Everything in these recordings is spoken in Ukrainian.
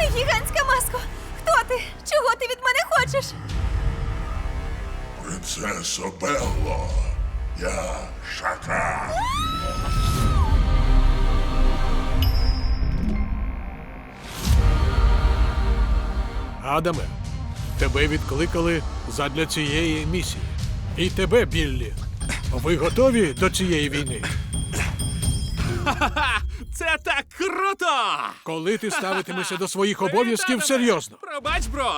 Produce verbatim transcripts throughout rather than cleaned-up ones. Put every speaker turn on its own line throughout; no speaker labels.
гігантська маско! Хто ти? Чого ти від мене хочеш?
Принцесо Белло, я Шакал.
Адаме, тебе відкликали задля цієї місії. І тебе, Біллі. Ви готові до цієї війни?
Це так круто!
Коли ти ставитимешся до своїх обов'язків серйозно?
Пробач, бро!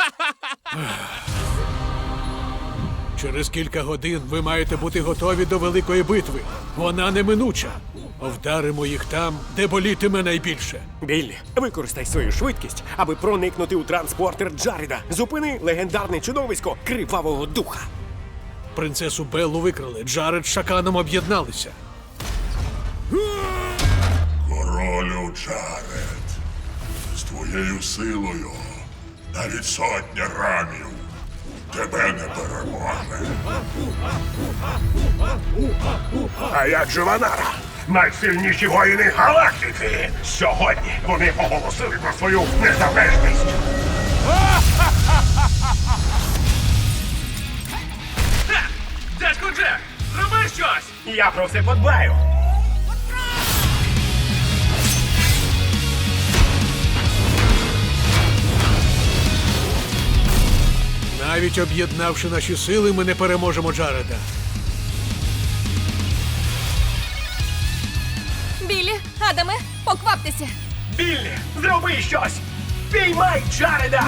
Через кілька годин ви маєте бути готові до великої битви. Вона неминуча. Вдаримо їх там, де болітиме найбільше.
Біллі, використай свою швидкість, аби проникнути у транспортер Джареда. Зупини легендарне чудовисько Кривавого Духа.
Принцесу Беллу викрали. Джаред з Шаканом об'єдналися.
Королю Джаред, з твоєю силою навіть сотня рамів тебе не переможе.
А як же Ванара? Найсильніші воїни галактики! Сьогодні вони оголосили про свою незалежність!
Дядько Джек, зроби щось!
Я про все подбаю!
Навіть об'єднавши наші сили, ми не переможемо Джареда.
Біллі, Адаме, покваптеся!
Біллі, зроби щось! Піймай Джареда!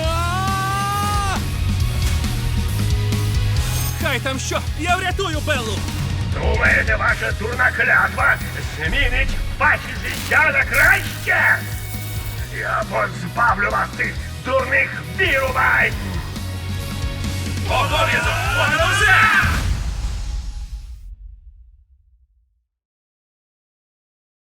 Хай там що, я врятую Беллу!
Думаєте, ваша дурна клятва змінить ваші життя на краще? Я позбавлю вас цих дурних вірувань! Обов'язок!